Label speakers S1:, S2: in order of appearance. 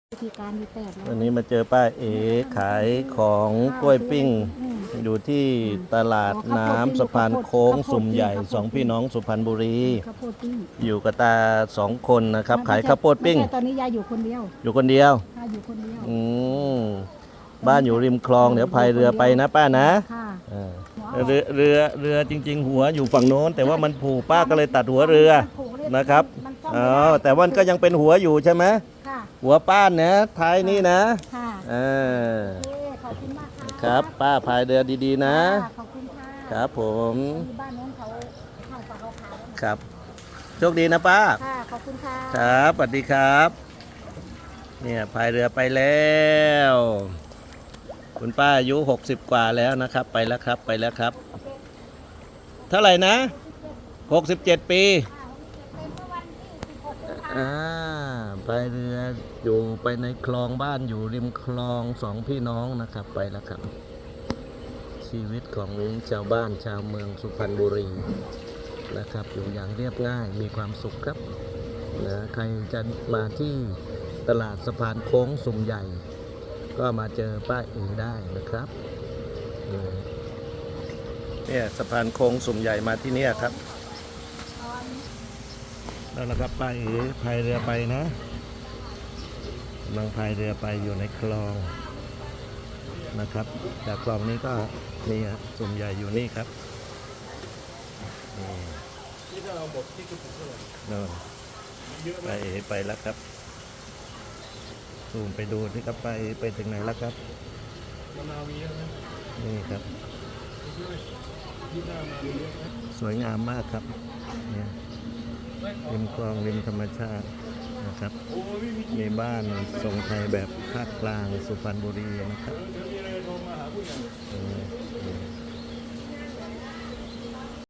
S1: วิธีการมีแปดแล้ว
S2: วันนี้มาเจอป้าเอ๋ขายของกล้วยปิ้ง อยู่ที่ตลาดน้ำสะพานโค้งสุ่มใหญ่สองพี่น้องสุพรรณบุรี
S1: ข้าวโพดปิ้ง
S2: อยู่กับตาสองคนนะครับ ขายข้าวโพดปิ้ง
S1: ไม่ใช่ตอนนี้ยายอยู่คนเดียว
S2: อยู่คนเดียว
S1: ค่ะอยู่คนเดียว
S2: บ้านอยู่ริมคลองเดี๋ยวพายเรือไปนะป้านะ
S1: ค่ะ
S2: อ่าเรือจริง ๆ หัวอยู่ฝั่งโน้น แต่ว่ามันผูกป้าก็เลยตัดหัวเรือนะครับ
S1: มันซ่อม
S2: อ๋
S1: ไม่
S2: อ
S1: ได้
S2: แต่ว่ามันก็ยังเป็นหัวอยู่ใช่ไหม
S1: ค่ะ
S2: หัวป้านนะท้ายนี่นะ
S1: ค่ะ
S2: อ่า
S1: โอเคขอบคุณมากค่ะ
S2: ครับป้าพายเรือดีๆนะ
S1: ค่ะขอบคุณค่ะ
S2: ครับผม
S1: ที่บ้านน้องเขาเข้าปากเขาขาวแล้ว
S2: ครับโชคดีนะป้า
S1: ค่ะขอบคุณค่ะ
S2: ครับสวัสดีครับเนี่ยพายเรือไปแล้วคุณป้าอายุ60 กว่าแล้วนะครับ ไปแล้วครับไปแล้วครับ เท่าไหร่นะ67 ปีพายเรืออยู่ไปในคลองบ้านอยู่ริมคลองสองพี่น้องนะครับไปแล้วครับ ชีวิตของชาวบ้านชาวเมืองสุพรรณบุรีนะครับอยู่อย่างเรียบง่ายมีความสุขครับนะใครจะมาที่ตลาดสะพานโค้งสุ่มใหญ่ ก็มาเจอป้าเอ๋ได้นะครับเนี่ยสะพานโค้งสุ่มใหญ่มาที่นี่ครับแล้วนะครับป้าเอ๋พายเรือไปนะกำลังพายเรือไปอยู่ในคลองนะครับจากคลองนี้ก็นี่ฮะสุ่มใหญ่อยู่นี่ครับนี่ก็เอาบทที่กระปุกเท่าไหร่ไปเอ๋ไปแล้วครับซูมไปดูที่ครับไปถึงไหนแล้วครับนี่ครับสวยงามมากครับเนี่ยริมคลองริมธรรมชาตินะครับมีบ้านทรงไทยแบบภาคกลางสุพรรณบุรีนะครับ